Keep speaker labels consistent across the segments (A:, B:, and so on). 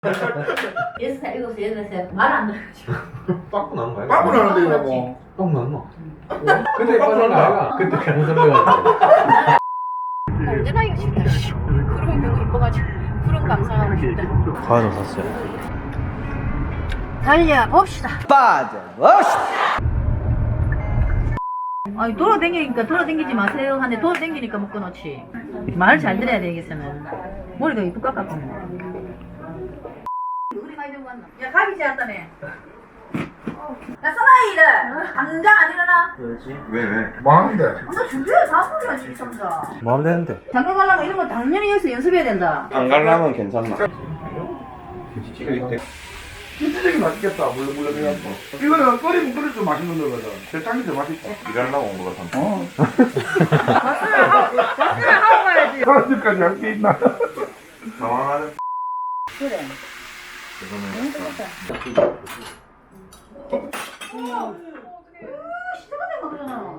A: 6살, 7살, 8살 말 안 들어가지고.
B: 빠꾸 나는 거야?
C: 빠꾸 나는데 이거 뭐.
B: 빠꾸 났나? 그때 빠진 거 아이가? 그때 그런 소리가
A: 언제나 이거 싶다. 구름이 너무 이뻐가지고 구름 감상하고 싶다.
D: 과연 샀어요.
A: 달려봅시다.
D: 빠져봅시다.
A: 아니 돌아다니니까 돌아다니지 마세요 하는데 돌아다니니까 못 끊었지. 말을 잘 들어야 되겠으면 머리가 이쁘 깎았고 우리 많이 들고 왔나? 야 가기 지었다네. 야 사나이들 당장 안 일어나?
B: 왜?
C: 뭐 하는데?
A: 너 준비해 바쁘냐 진짜.
D: 뭐 하면 되는데?
A: 장가 가려면 이런 거 당연히 여기서 연습해야 된다.
D: 안 가려면 괜찮나?
C: 진짜 맛있겠다. 물렁물렁 해갖고. 이거는 끓이면 끓일수록 맛있는 거거든. 대창이 더 맛있다.
B: 일하려고 온 거 같아.
A: 박수를 하고 가야지.
C: 사람들까지 할 게 있나?
B: 당황하는.
A: 그래. 너무 뜨겁다. 시작하자 그러잖아.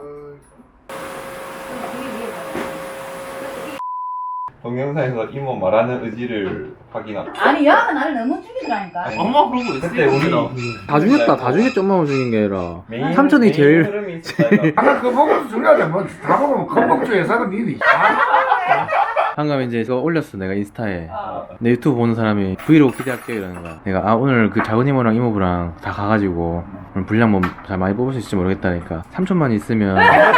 B: 동영상에서 이모 말하는 의지를 확인하.
A: 아니 야가 나를 너무 죽이더라니까.
B: 엄마 그러고 있어. 그때 우리
D: 다 죽였다. 다 죽였지. 엄마만 죽인 게 아니라.
B: 메인-
D: 삼촌이
B: 메인
D: 제일
B: 흐름이 있었다.
C: 아까 그 먹어도 중요하지. 뭐다 먹으면 건복주 회사가 니니.
D: 방금 이제 이거 올렸어. 내가 인스타에. 내 유튜브 보는 사람이 브이로그 기대할게요 이러는 거야. 내가 아 오늘 그 작은 이모랑 이모부랑 다 가가지고 오늘 분량 뭐 잘 많이 뽑을 수 있을지 모르겠다니까. 삼촌만 있으면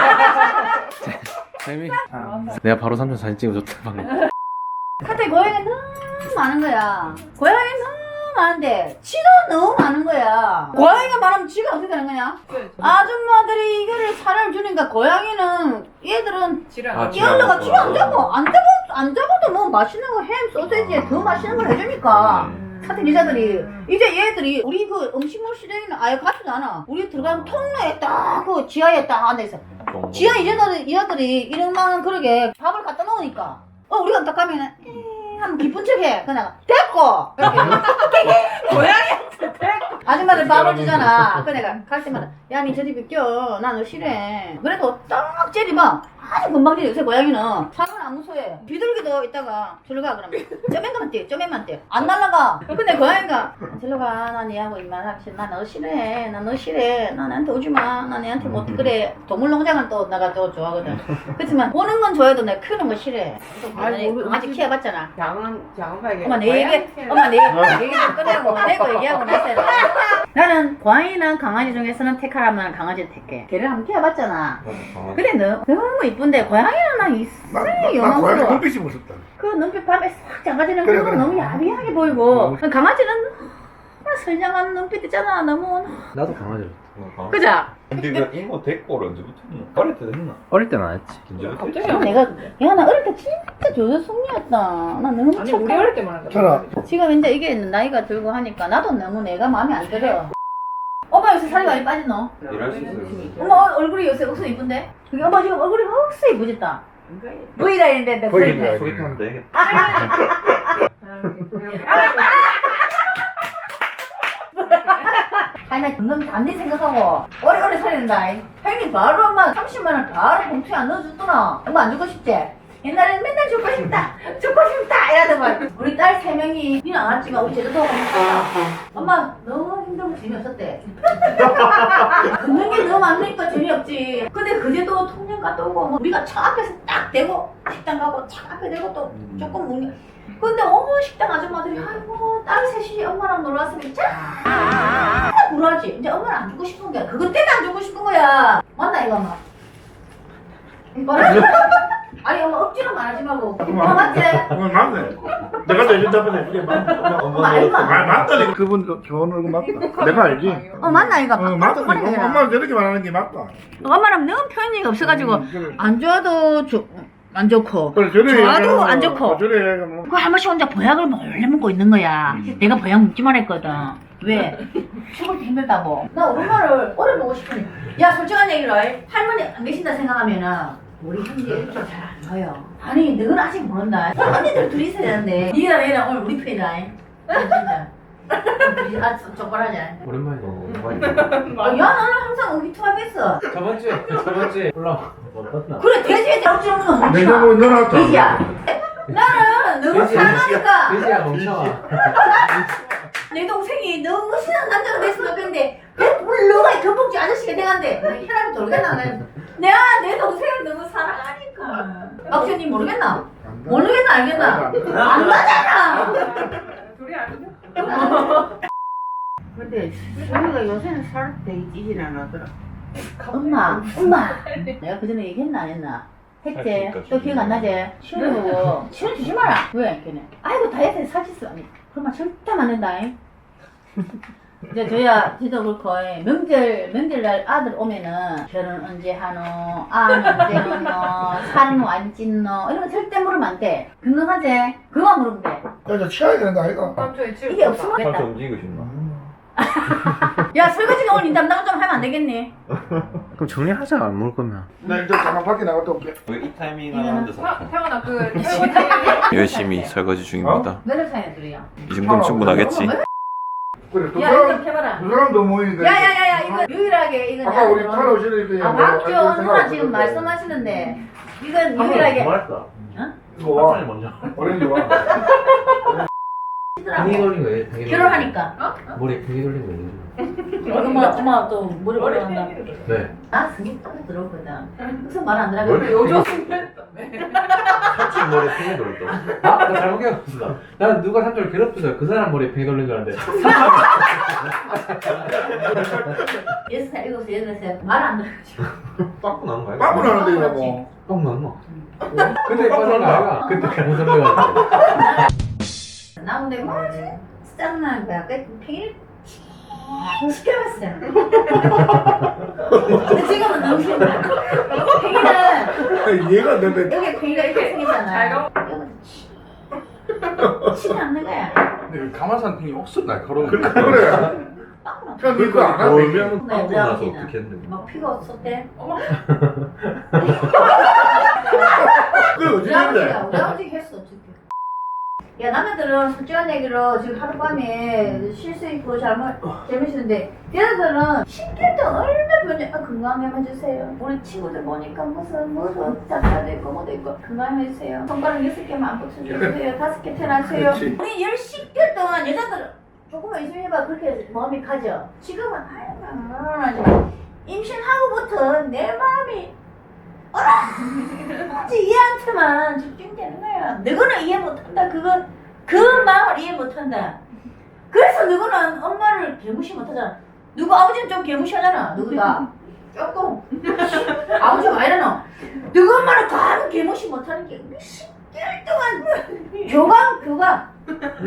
D: 재미. 내가 바로 삼촌 사진 찍어줬다 방금.
A: 카페 고양이가 너무 많은 거야. 고양이 너무 많은데 치도 너무 많은 거야. 고양이가 많으면 지가 어떻게 되는 거냐? 아줌마들이 이거를 사료를 주니까 고양이는 얘들은 끼어들어가 지가 안 잡아. 안 잡아도 뭐 맛있는 거 햄, 소세지에 더 맛있는 걸 해주니까. 카페 기자들이 이제 얘들이 우리 그 음식물 시장에는 아예 가지도 않아. 우리 들어가는 통로에 딱 그 지하에 딱 앉아있어. 지하 이자들이 이런만 그러게 밥을 갖다 놓으니까 우리가 딱 가면은 하면 기쁜 척해. 그냥 됐고 이렇게 고양이한테 됐고 아줌마들 밥을 주잖아. 그 내가 갈 때마다 야 니 저리 비켜 나 너 싫어해. 그래도 딱 째리 막 아주 금방 째리. 요새 고양이는 사람은 안 무서워해. 비둘기도 있다가 저리 가 그러면 쪼맨만 떼 안 날라가. 근데 고양이가 저리 가나 니하고 이만하기 싫어. 나 너 싫어해. 나 너 싫어해. 나 나한테 오지마. 나 니한테 못 그래. 동물농장은 또 내가 또 좋아하거든. 그렇지만 보는 건 좋아해도 내가 크는 거 싫어해. 강아지 키워봤잖아.
E: 작은 발견.
A: 엄마 내 얘기 좀 꺼내고 내고 얘기하고 나서 나는 고양이랑 강아지 중에서는 택하라면 강아지를 택해. 걔를 한번 키워봤잖아. 근데 너무 이쁜데 고양이는 나 이상하게
C: 나 고양이
A: 영광스러워.
C: 눈빛이 무섭다.
A: 그 눈빛 밤에 싹 장가지는
C: 그래,
A: 그거
C: 그래.
A: 너무 야비하게 보이고 강아지는 너무 선량한 눈빛 있잖아. 너무
D: 나도 강아지.
A: 그죠?
B: 근데 그 이모 데리고 언제부터 했나? 어릴 때 했나?
D: 어릴 때는 안 했지.
B: 언제부터
E: 갑자기
B: 했지?
A: 내가 야 나 어릴 때 진짜 조조숙녀였다. 나 너무
E: 아니 우리
A: 착한.
E: 어릴 때만 한다.
C: 저라.
A: 지금 이제 이게 나이가 들고 하니까 나도 너무 내가 마음에 안 들어. 엄마 요새 살이 많이 빠졌노?
B: 일할 수 있어요.
A: 엄마 얼굴이 요새 억수 이쁜데? 그게 엄마 지금 얼굴이 억수 이쁘졌다. V라인인데 내 V라인.
B: 소개팅 하면 되겠다.
A: 아니 나 금방 단지 생각하고 오래오래 살린다. 형님 바로 엄마 30만 원 바로 봉투에 안 넣어줬더나. 엄마 안 주고 싶지? 옛날에는 맨날 주고 싶다 이러더만. 우리 딸 3명이 니는 안 왔지만 우리 제주도 가니까 엄마 너무 힘들고 재미없었대. 걷는 게 너무 많으니까 재미없지. 근데 그제도 통영 갔다 오고 뭐 우리가 차 앞에서 딱 대고 식당 가고 차 앞에 대고 또 조금 먹는. 근데 어머 식당 아줌마들이 아이고 딸 셋이 엄마랑 놀러 왔으면 짠 불하지. 이제 엄마는 안 주고 싶은 거야. 그것 때문에 안 주고 싶은 거야. 맞나 이거 엄마? 아니 엄마 억지로 말하지 말고. 맞지?
C: 맞네. 내가 내준 답변 해줄게. 맞다니까. 그분 좋은 얼굴 맞다. 내가 알지.
A: 맞나 이거?
C: 맞다. 엄마는 저렇게 말하는 게 맞다.
A: 엄마랑 너무 표현이 없어가지고
C: 그래.
A: 안 좋아도 안 좋고
C: 그래, 저래
A: 좋아도
C: 얘기하면
A: 안 좋고.
C: 저래 뭐.
A: 그 한 번씩 혼자 보약을 몰래 먹고 있는 거야. 내가 보약 먹지 말했거든. 왜? 죽을 때 힘들다고. 나 우리 엄마를 오래 보고 싶으니. 야 솔직한 얘기로 해. 할머니 안 계신다 생각하면은 우리 형제 일주일 잘안 봐요. 아니 너는 아직 모른다. 언니들 둘이 있어야 되는데 니랑 얘랑 오늘 우리 편이다. 진짜. 아 족발하자.
D: 오랜만이다.
A: 야 나는 항상 우리 투합했어.
D: 저번주에 올라와.
A: 그래 돼지에 억지 없는 건
C: 내가 뭐 넣어놨다.
A: 돼지야. 나는 너무
B: 돼지야.
A: 사랑하니까
B: 돼지야 멍청아.
A: 내 동생이 너무 신한 남자가 됐으면 좋겠는데 너가 경복지 아저씨가 돼간대 혈압이 돌겠나 내가 내 동생을 너무 사랑하니까 박수님 모르겠나? 모르겠나 알겠나? 안 가잖아
E: 둘이 아니냐?
F: 근데 수미가 요새는 살 되게 찌진 않았더라.
A: 엄마 내가 그 전에 얘기했나 안 했나? 했지?
C: 그러니까
A: 또 기억 안 나지? 시원해 보고 시원 주지 마라 왜? 걔네 아이고 다이어트에 살찌어 아니 그런 말 절대 안 된다잉 이제 저야 지도 그렇고 명절날 아들 오면은 결혼 언제 하노 언제 하노 살노 안 찐노 이런 거 절대 물으면 안 돼 건강하지? 그거만 물으면 돼
C: 그래서 치아야 되는 거 아이가?
E: 삼촌이 치울
A: 이게 없으면
B: 살짝
A: 됐다
B: 움직이고 싶나?
A: 야 설거지가 오늘 니 담당 좀 하면 안 되겠니?
D: 그럼 정리하자 안 먹을 거면.
C: 나 이제 잠깐 밖에 나갔다 올게.
D: 이 타이밍
A: 하는데
E: 태어나 그 설거지
D: 열심히 설거지 중입니다.
A: 몇 살 차이나 들이야?
D: 이 정도면 충분하겠지.
C: 그래, 두
A: 야 이거 좀
C: 사람,
A: 해봐라
C: 두 사람도 모이는데.
A: 야야야야 이거 유일하게 이건
C: 아까 우리 팔 오시는 때.
A: 아 박지원 누나 지금 말씀하시는데 이건 유일하게
B: 고맙다.
C: 이거 와.
B: 먼저.
C: 오렌지 와.
B: 팽이 돌린 거예요. 팽이
A: 결혼하니까
B: 머리에 팽이 돌린 거예요.
A: 엄마 또 머리 올라간다
B: 네.
A: 나 승리 딱 들었거든 무슨 말 안 들어
B: 뭘?
E: 요조승 했다며
B: 삼촌 머리에 팽이 돌렸다. 아, 나 잘못 기억했어. 난 누가 삼촌을 괴롭혀서 그 사람 머리에 팽이 돌린 줄 알았는데.
A: 6살 7살 8살 말 안 들어가지고
B: 빵꾸 나는 거야?
C: 빵꾸 나는데 이거 뭐.
B: 빵 났나? 그때 빠진 거 아이가? 그때 잘못 설명했는데.
A: 나 근데 뭐 짜증나는 거야 그 팽이를 시켜봤어 근데 지금은 너무 싫다 팽이는
C: 얘가 내가
A: 여기 팽이가 이렇게 생겼잖아
E: 잘
A: 여기 치지 않는 거야
G: 근데 가마산 팽이 억수로 날카로운
C: 그래.
G: 거.
C: 그래.
A: 빵꾸나
C: 그러니까 너거 안 하네.
B: 돌면
A: 네,
B: 빵꾸
A: 우리
B: 나서
A: 아버지는.
B: 어떻게 했는데.
A: 막 피가 없었대
C: 그게
A: 우리
C: 어디
A: 아버지가
C: 있는데?
A: 우리 아버지 했어 어떻게 야 남자들은 솔직한 얘기로 지금 하룻밤에 실수 있고 재밌는데 얘네들은 10개월 동안 얼마나 변해 건강해만 주세요 우리 친구들 보니까 무슨 짝사도 있고 뭐도 있고 건강해주세요 손가락 6개만 안 붙여주세요 5개 태어나세요
C: 그렇지.
A: 우리 10개월 동안 여자들은 조금만 있으면 해봐 그렇게 마음이 가죠 지금은 아이고 임신하고부터 내 마음이 오직 얘한테만 집중되는 거야. 너희는 이해 못한다. 그 마음을 이해 못한다. 그래서 너희는 엄마를 개무시 못하잖아. 누구 아버지는 좀 개무시하잖아. 누구가 조금 아버지가 왜 이러노? 너희 엄마는 가면 개무시 못하는 게 10개월 동안 교감 왜?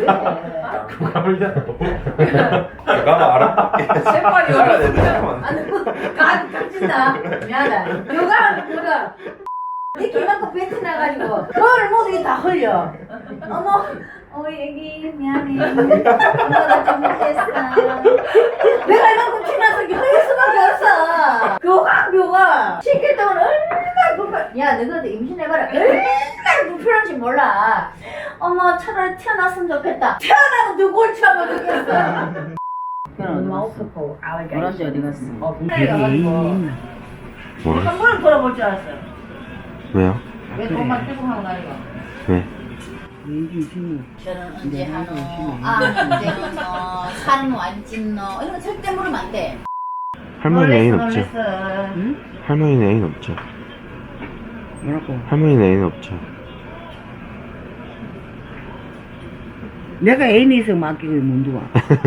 C: 내가 알아.
E: 세발이 어려워
A: 간 터진다. 미안하다. 교감. 네 기만큼 뱉어 나가지고 뭘 모두 다 흘려. 어머, 애기 미안해. 엄마가 잘못했어. 내가 이만큼 티나서 흘릴 수밖에 없어. 교감. 10개월 동안 얼마나 불편. 야, 너희들 임신해봐라. 얼마나 불편한지 몰라. 어머, 차라리 태어났으면 좋겠다. 태어나면 누굴 참아 죽겠어.
F: 노란지 어디 갔어?
A: 한 번을 돌아볼 줄 알았어요.
D: 왜요?
A: 왜 돈만 빼고 하고 나니까.
D: 왜?
A: 결혼 언제 하노? 언제 하노? 살노 안 찐노? 이런 거 절대 물으면 안 돼.
D: 할머니 애인 없죠?
A: 놀랬어.
D: 할머니 애인 없죠?
F: 뭐라고?
D: 할머니 애인 없죠?
F: 내가 애인이 있어 맡기고 문두와.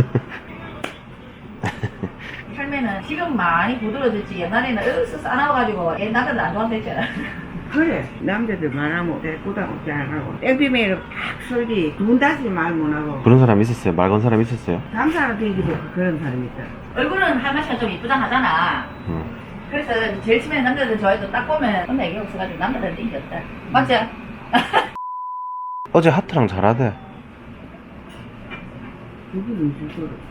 A: 할매는 지금 많이 부드러워졌지. 옛날에는 으쓱 싸나워가지고 옛 남자들 안 좋아한다 했잖아.
F: 그래 남자들 말하면 대꾸다고 잘하고 땡비메이로 팍 설디 두분다시 말 못하고
D: 그런 사람 있었어요? 말 건 사람 있었어요?
F: 잠사람 되기도 그런 사람이 있다.
A: 얼굴은 할머니가 좀 이쁘다 하잖아. 그래서 제일 처음에 남자들 좋아해도 딱 보면 엄마 얘기 없어가지고 남자들한테 인기 없다. 맞지?
D: 어제 하트랑 잘하대.
F: 누구 무슨 소리?